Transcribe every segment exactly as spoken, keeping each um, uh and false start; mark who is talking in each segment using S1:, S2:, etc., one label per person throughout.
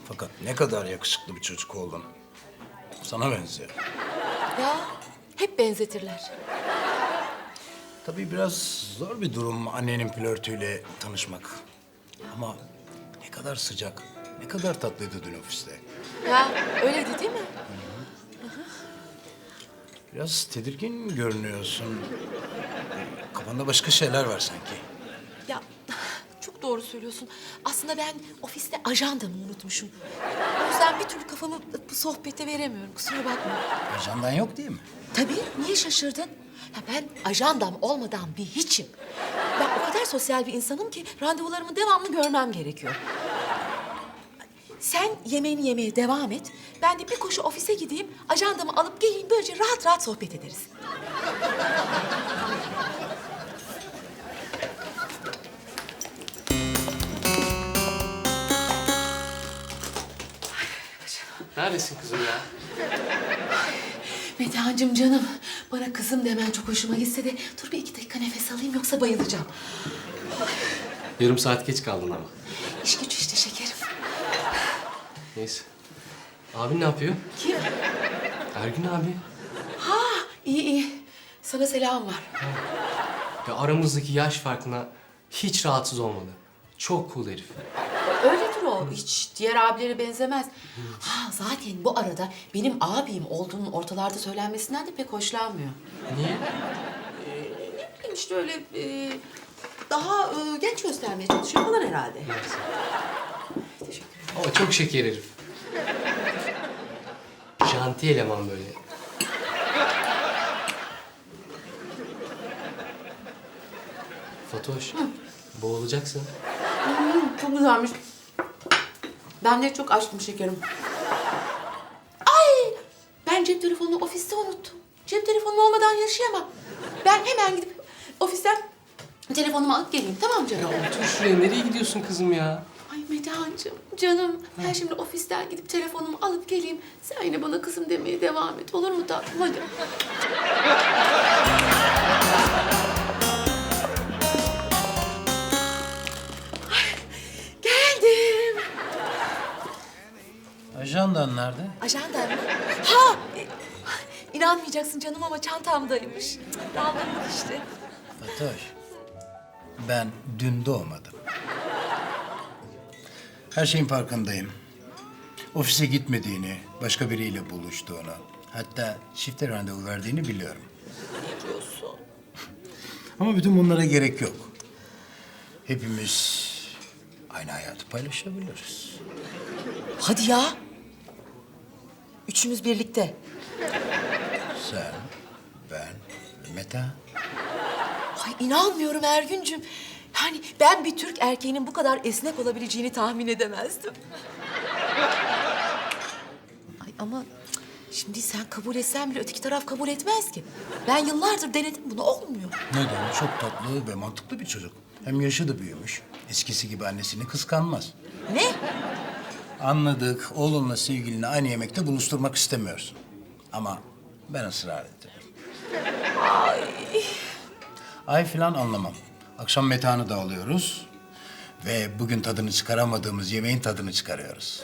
S1: Fakat ne kadar yakışıklı bir çocuk oldun. Sana benziyor.
S2: Ya hep benzetirler.
S1: Tabii biraz zor bir durum annenin flörtüyle tanışmak. Ama ne kadar sıcak, ne kadar tatlıydı dün ofiste.
S2: Ya öyleydi değil mi?
S1: Biraz tedirgin görünüyorsun. Kafanda başka şeyler var sanki.
S2: Ya çok doğru söylüyorsun. Aslında ben ofiste ajandamı unutmuşum. O yüzden bir türlü kafamı bu sohbete veremiyorum. Kusura bakma.
S1: Ajandan yok değil mi?
S2: Tabii, niye şaşırdın? Ya ben ajandam olmadan bir hiçim. Ben o kadar sosyal bir insanım ki randevularımı devamlı görmem gerekiyor. Sen yemeğini yemeye devam et. Ben de bir koşu ofise gideyim, ajandamı alıp geleyim. Böylece rahat rahat sohbet ederiz.
S3: Neredesin kızım ya?
S2: Metehan'cığım canım, bana kızım demen çok hoşuma gitse de... ...dur bir iki dakika nefes alayım yoksa bayılacağım.
S3: Yarım saat geç kaldın ama.
S2: İş güç işte şekerim.
S3: Neyse. Abin ne yapıyor?
S2: Kim?
S3: Ergün abi.
S2: Ha, iyi iyi. Sana selam var.
S3: Ya aramızdaki yaş farkına hiç rahatsız olmadı. Çok cool herif.
S2: Öyledir o. Hiç diğer abilere benzemez. Ha, zaten bu arada benim abim olduğunun ortalarda söylenmesinden de pek hoşlanmıyor.
S3: Niye?
S2: Ne bileyim işte öyle e, daha e, genç göstermeye çalışıyor falan herhalde.
S3: Neyse.
S2: Teşekkür ederim.
S3: Ama çok şeker herif. Janti eleman böyle. Fatoş, boğulacaksın.
S2: Hmm, çok güzelmiş. Ben de çok açtım şekerim. Ay! Ben cep telefonunu ofiste unuttum. Cep telefonum olmadan yaşayamam. Ben hemen gidip ofisten telefonumu alıp geleyim. Tamam mı canım?
S3: Otur şuraya, nereye gidiyorsun kızım ya?
S2: Ay Metehan'cığım, canım. Ben şimdi ofisten gidip telefonumu alıp geleyim. Sen yine bana kızım demeye devam et. Olur mu tatlım? Hadi. Ay, geldim.
S1: Ajandan nerede?
S2: Ajandam mı? Ha! e, İnanmayacaksın canım ama çantamdaymış. Cık, Daldırdık işte.
S1: Fatoş, ben dün doğmadım. Her şeyin farkındayım. Ofise gitmediğini, başka biriyle buluştuğunu, hatta çifte randevu verdiğini biliyorum.
S2: Ne diyorsun?
S1: Ama bütün bunlara gerek yok. Hepimiz aynı hayatı paylaşabiliriz.
S2: Hadi ya. Üçümüz birlikte.
S1: Sen, ben ve Meta.
S2: Ay inanmıyorum Ergüncüm. Yani ben bir Türk erkeğinin bu kadar esnek olabileceğini tahmin edemezdim. Ay ama cık, şimdi sen kabul etsen bile öteki taraf kabul etmez ki. Ben yıllardır denedim, bunu olmuyor.
S1: Neden? Çok tatlı ve mantıklı bir çocuk. Hem yaşı da büyümüş. Eskisi gibi annesini kıskanmaz.
S2: Ne?
S1: Anladık, oğlunla sevgilini aynı yemekte buluşturmak istemiyorsun. Ama ben ısrar ettim. Ay. Ay falan anlamam. Akşam Metehan'ı da alıyoruz. Ve bugün tadını çıkaramadığımız yemeğin tadını çıkarıyoruz.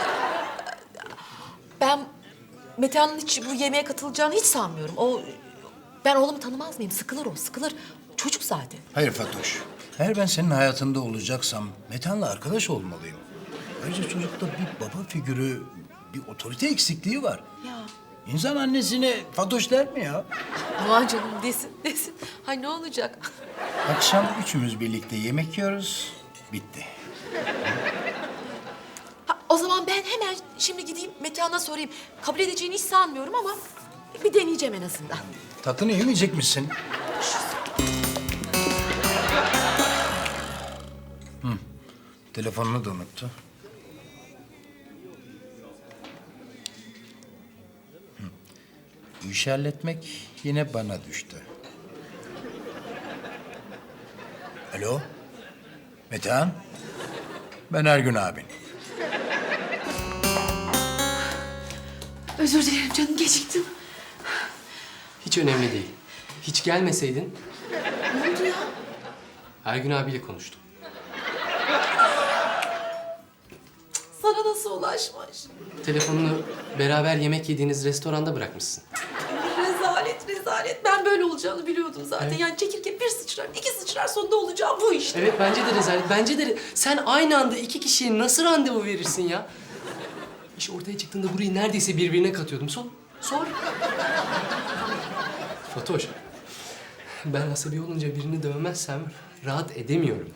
S2: Ben Metehan'ın hiç bu yemeğe katılacağını hiç sanmıyorum. O, ben oğlumu tanımaz mıyım? Sıkılır o, sıkılır. Çocuk zaten.
S1: Hayır Fatoş. Eğer ben senin hayatında olacaksam Metehan'la arkadaş olmalıyım. Ayrıca çocukta bir baba figürü, bir otorite eksikliği var.
S2: Ya.
S1: İnsan annesine Fatoş der mi ya?
S2: Aman canım desin, desin. Hay ne olacak?
S1: Akşam üçümüz birlikte yemek yiyoruz. Bitti.
S2: Ha, o zaman ben hemen şimdi gideyim Metehan'a sorayım. Kabul edeceğini hiç sanmıyorum ama bir deneyeceğim en azından.
S1: Tatlını yemeyecek misin? Hı. Telefonunu da unuttu. Hı. Bu işi halletmek yine bana düştü. Alo? Metehan? Ben Ergün abin.
S2: Özür dilerim canım, geciktim.
S3: Hiç önemli değil. Hiç gelmeseydin
S2: Ne oldu ya?
S3: Ergün abiyle konuştum.
S2: Sana nasıl nasıl ulaşmış?
S3: Telefonunu beraber yemek yediğiniz restoranda bırakmışsın.
S2: Rezalet, rezalet. Ben böyle olacağını biliyordum zaten.
S3: Evet.
S2: Yani çekirge bir sıçrar, iki sıçrar sonunda olacağı bu işte.
S3: Evet bence de rezalet. Bence de re- sen aynı anda iki kişiye nasıl randevu verirsin ya? İş ortaya çıktığında burayı neredeyse birbirine katıyordum. Sor. Sor. Fatoş. Ben asabi olunca birini dövmezsem rahat edemiyorum.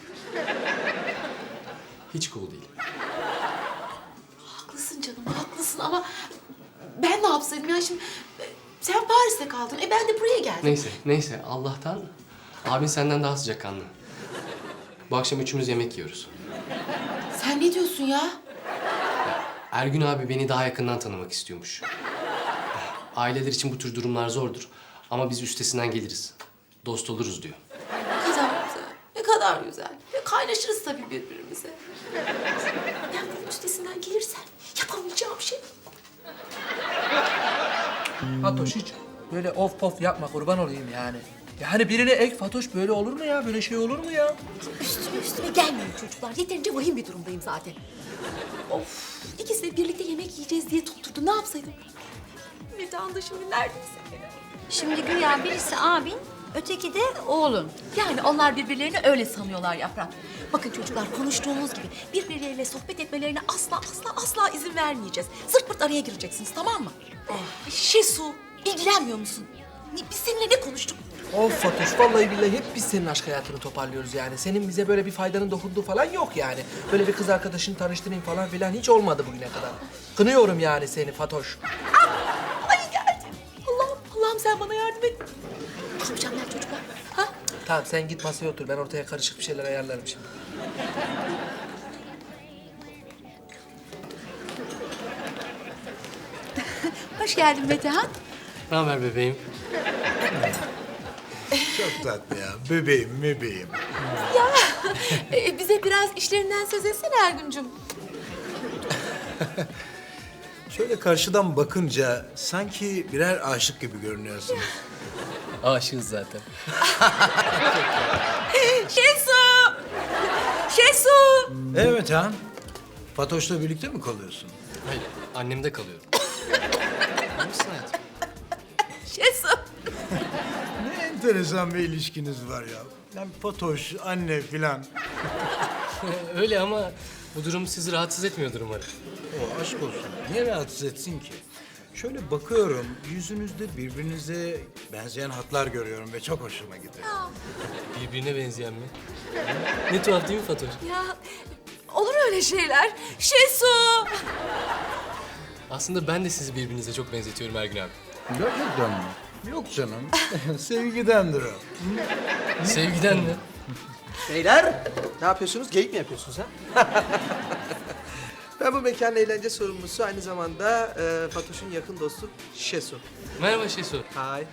S3: Hiç cool değil.
S2: Haklısın canım, haklısın ama ben ne yapsaydım ya şimdi? e, Sen Paris'te kaldın, e ben de buraya geldim.
S3: Neyse, neyse. Allah'tan abin senden daha sıcakkanlı. Bu akşam üçümüz yemek yiyoruz.
S2: Sen ne diyorsun ya?
S3: Ergün abi beni daha yakından tanımak istiyormuş. Aileler için bu tür durumlar zordur. Ama biz üstesinden geliriz. Dost oluruz diyor.
S2: Ne kadar güzel, ne kadar güzel. Ve kaynaşırız tabii birbirimize. Ben bunun üstesinden gelirsem yapamayacağım şey.
S4: Fatoş hiç böyle of pof yapma kurban olayım yani. Yani birine ek Fatoş böyle olur mu ya? Böyle şey olur mu ya?
S2: Üstüme üstüme gelmeyin çocuklar. Yeterince vahim bir durumdayım zaten. Of, ikisi de birlikte yemek yiyeceğiz diye tutturdu. Ne yapsaydım? Metehan da şimdi neredeyse.
S5: Şimdi güya birisi abin, öteki de oğlun.
S2: Yani onlar birbirlerini öyle sanıyorlar Yaprak. Bakın çocuklar konuştuğumuz gibi birbirleriyle sohbet etmelerine asla asla asla izin vermeyeceğiz. Zırt pırt araya gireceksiniz tamam mı? Oh. Şesu ilgilenmiyor musun? Ne- Biz seninle ne konuştuk?
S4: Of Fatoş vallahi billahi hep biz senin aşk hayatını toparlıyoruz yani. Senin bize böyle bir faydanın dokunduğu falan yok yani. Böyle bir kız arkadaşını tanıştırayım falan filan hiç olmadı bugüne kadar. Kınıyorum yani seni Fatoş.
S2: Ay geldi. Allah'ım Allah'ım sen bana yardım et. Ne yapacağımlar çocuklar? Ha?
S4: Tamam sen git masaya otur ben ortaya karışık bir şeyler ayarlarım şimdi.
S2: Hoş geldin Metehan.
S3: Ne haber bebeğim?
S1: Çok tatlı ya. Bebeğim, bebeğim.
S2: Ee, bize biraz işlerinden söz etsene Ergüncüm.
S1: Şöyle karşıdan bakınca sanki birer aşık gibi görünüyorsunuz.
S3: Aşığız zaten.
S2: Şesu! Şesu!
S1: Evet han. Fatoş'la birlikte mi kalıyorsun?
S3: Hayır, annemde kalıyorum. Nasılsın hayatım?
S2: Şesu!
S1: Ne enteresan bir ilişkiniz var ya. Yani Fatoş, anne filan.
S3: Öyle ama bu durum sizi rahatsız etmiyordur umarım.
S1: O aşk olsun. Niye rahatsız etsin ki? Şöyle bakıyorum, yüzünüzde birbirinize benzeyen hatlar görüyorum ve çok hoşuma gidiyor.
S3: Birbirine benzeyen mi? Ne tuhaf değil mi Fatoş?
S2: Ya olur öyle şeyler. Şesu!
S3: Aslında ben de sizi birbirinize çok benzetiyorum Ergün abi.
S1: Gerçekten mi? Yok canım. Sevgidendir o.
S3: Sevgiden mi?
S6: Beyler, ne yapıyorsunuz? Geyik mi yapıyorsunuz ha? Ben bu mekanın eğlence sorumlusu, aynı zamanda e, Fatoş'un yakın dostu Şesu.
S3: Merhaba Şesu.
S6: Hay.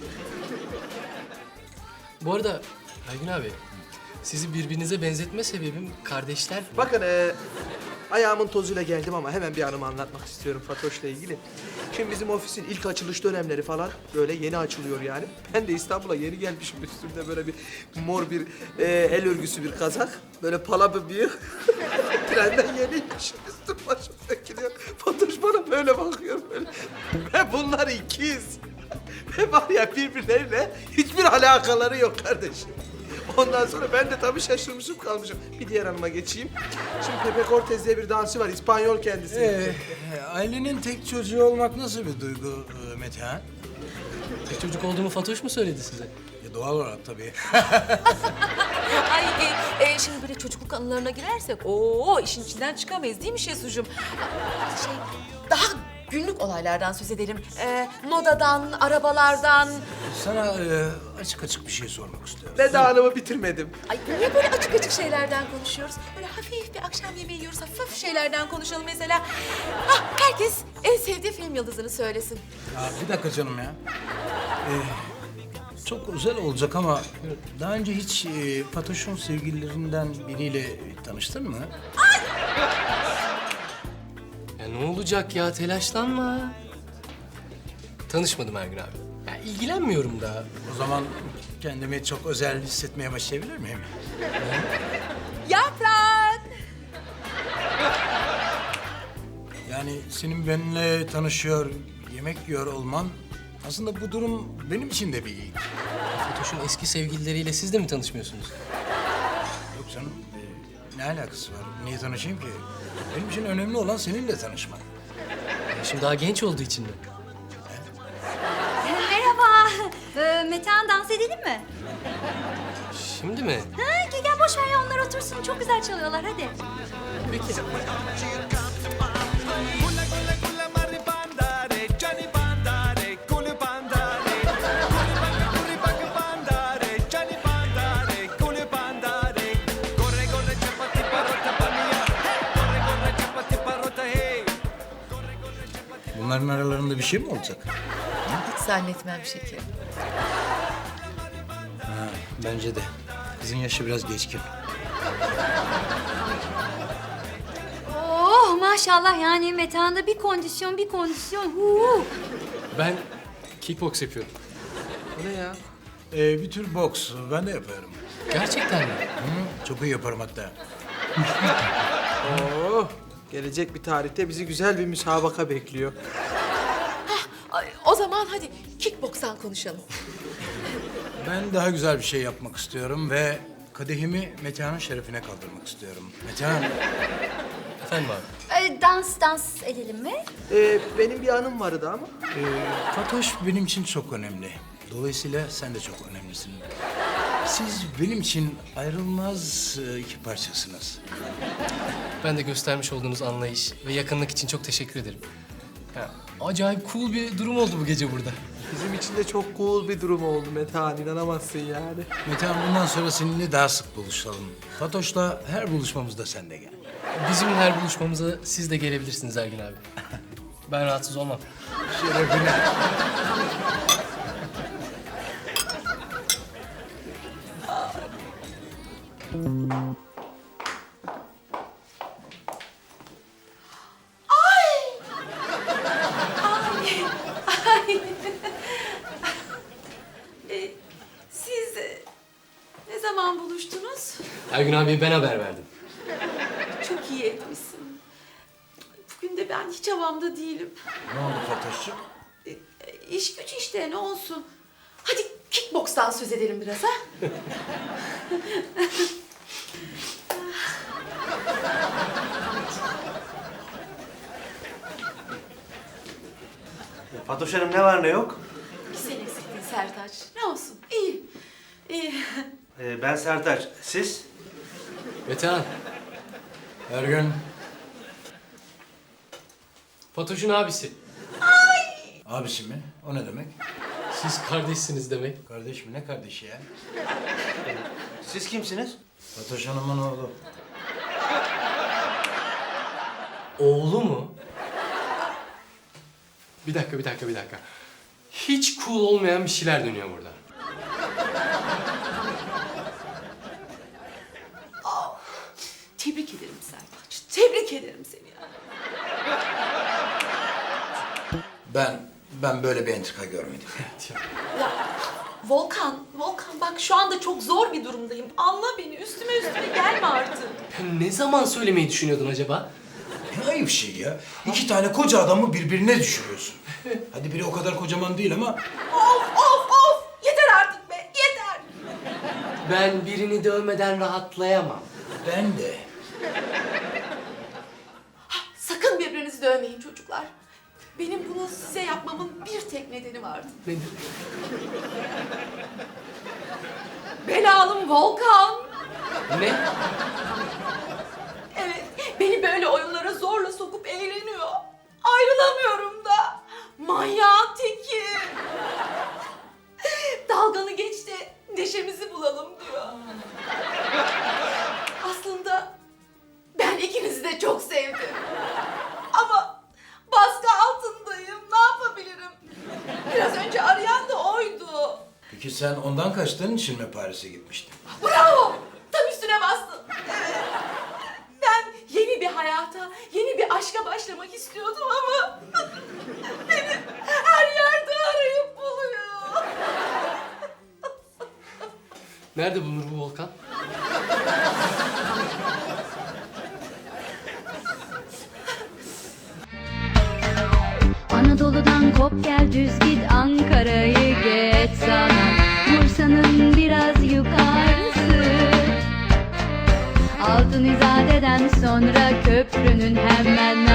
S3: Bu arada Ergün abi, sizi birbirinize benzetme sebebim kardeşler.
S6: Bakın, e, ayağımın tozuyla geldim ama hemen bir anımı anlatmak istiyorum Fatoş'la ilgili. Şimdi bizim ofisin ilk açılış dönemleri falan böyle yeni açılıyor yani. Ben de İstanbul'a yeni gelmişim, üstümde böyle bir mor bir e, el örgüsü bir kazak. Böyle pala bir bıyık. Trenden yeniymişim, üstüm başım dökülüyor. Fatoş bana böyle bakıyor böyle. Ve bunlar ikiz. Ve var ya birbirleriyle hiçbir alakaları yok kardeşim. Ondan sonra ben de tabii şaşırmışım kalmışım. Bir diğer hanıma geçeyim. Şimdi Pepe Cortez diye bir dansçı var, İspanyol kendisi.
S1: Ee, ailenin tek çocuğu olmak nasıl bir duygu e, Metehan?
S3: Tek çocuk olduğumu Fatoş mu söyledi size?
S1: E, doğal olarak tabii.
S2: Ay e, e, şimdi böyle çocukluk anılarına girersek o işin içinden çıkamayız değil mi Şesucuğum? Şey daha günlük olaylardan söz edelim. Ee, modadan, arabalardan.
S1: Sana e, açık açık bir şey sormak istiyorum.
S6: Ben de hanımı bitirmedim.
S2: Ay niye böyle açık açık şeylerden konuşuyoruz? Böyle hafif bir akşam yemeği yiyoruz, hafif şeylerden konuşalım mesela. Hah, herkes en sevdiği film yıldızını söylesin.
S1: Ya, bir dakika canım ya. Ee, çok özel olacak ama daha önce hiç e, Fatoş'un sevgililerinden biriyle tanıştın mı?
S3: Ya ne olacak ya, telaşlanma. Tanışmadım Ergün abi. Ya ilgilenmiyorum da.
S1: O zaman kendimi çok özel hissetmeye başlayabilir miyim?
S2: Yaprak!
S1: Yani senin benimle tanışıyor, yemek yiyor olman aslında bu durum benim için de bir iyilik.
S3: Fatoş'un eski sevgilileriyle siz de mi tanışmıyorsunuz?
S1: Yok canım, e, ne alakası var? Niye tanışayım ki? Benim için önemli olan seninle tanışmak.
S3: Ya şimdi daha genç olduğu için mi?
S5: Merhaba. Ee, Metehan dans edelim mi?
S3: Şimdi mi?
S5: Ha, gel, gel boş ver ya onlar otursun. Çok güzel çalıyorlar hadi.
S3: Peki.
S1: Bunların aralarında bir şey mi olacak?
S2: Hiç zannetmem şekerim.
S1: Ha, bence de. Kızın yaşı biraz geçkin.
S5: Oh maşallah yani Metehan'da bir kondisyon bir kondisyon. Huu.
S3: Ben kickbox yapıyorum.
S4: Bu ne ya?
S1: Ee, bir tür boks, ben de yaparım.
S3: Gerçekten mi?
S1: Hı, çok iyi yaparım hatta.
S6: Oo, gelecek bir tarihte bizi güzel bir müsabaka bekliyor.
S2: Ay, o zaman hadi kickbokstan konuşalım.
S1: Ben daha güzel bir şey yapmak istiyorum ve kadehimi Metehan'ın şerefine kaldırmak istiyorum. Metehan,
S3: Efendim abi?
S5: Ee, dans dans edelim mi?
S6: Ee, benim bir anım vardı ama.
S1: e, Fatoş benim için çok önemli. Dolayısıyla sen de çok önemlisin. Siz benim için ayrılmaz e, iki parçasınız.
S3: Ben de göstermiş olduğunuz anlayış ve yakınlık için çok teşekkür ederim. Ya, acayip cool bir durum oldu bu gece burada.
S6: Bizim için de çok cool bir durum oldu Metehan, inanamazsın yani.
S1: Metehan bundan sonra seninle daha sık buluşalım. Fatoş'la her buluşmamızda sen de gel.
S3: Bizim her buluşmamıza siz de gelebilirsiniz Ergün abi. Ben rahatsız olmam.
S1: Şerefine.
S2: Ee, siz e, ne zaman buluştunuz?
S3: Ergün abiye ben haber verdim.
S2: Çok iyi etmişsin. Bugün de ben hiç havamda değilim.
S1: Ne oldu Fatoş'cum?
S2: E, e, iş güç işte ne olsun. Hadi kickbokstan söz edelim biraz ha.
S7: Fatoş Hanım ne var ne yok?
S2: Sen eksiktin Sertaç. Ne olsun? İyi. İyi.
S7: Ee, ben Sertaç. Siz?
S3: Metehan,
S1: Ergün,
S3: Fatoş'un abisi.
S1: abisi mi? O ne demek?
S3: Siz kardeşsiniz demek.
S1: Kardeş mi? Ne kardeşi ya?
S7: Siz kimsiniz?
S1: Fatoş Hanım'ın oğlu.
S3: Oğlu mu? Bir dakika, bir dakika, bir dakika. Hiç cool olmayan bir şeyler dönüyor burada.
S2: Tebrik ederim Sertaç. Tebrik ederim seni ya.
S1: Ben, ben böyle bir entrika görmedim.
S2: Ya Volkan, Volkan bak şu anda çok zor bir durumdayım. Anla beni. Üstüme üstüme gelme artık.
S3: Ne zaman söylemeyi düşünüyordun acaba?
S1: Ne ayıp şey ya. İki tane koca adamı birbirine düşürüyorsun. Hadi biri o kadar kocaman değil ama
S2: Of of of! Yeter artık be, yeter!
S3: Ben birini dövmeden rahatlayamam.
S1: ben de.
S2: Sakın birbirinizi dövmeyin çocuklar. Benim bunu size yapmamın bir tek nedeni vardı.
S3: Nedir?
S2: Belalım Volkan.
S3: Ne?
S2: Evet, beni böyle oyunlara zorla sokup eğleniyor. Ayrılamıyorum da. Manyağın teki. Dalganı geç de neşemizi bulalım diyor. Aslında ben ikinizi de çok sevdim. Ama baskı altındayım. Ne yapabilirim? Biraz önce arayan da oydu.
S1: Peki sen ondan kaçtığın için mi Paris'e gitmiştin?
S2: Bravo! Tam üstüne bastın. Evet. Ben yeni bir hayata, yeni bir aşka başlamak istiyordum ama beni her yerde arayıp buluyor.
S3: Nerede bulunur bu volkan?
S8: Gel düz git Ankara'yı geç sana, Bursa'nın biraz yukarısı. Altın İzade'den sonra köprünün hemen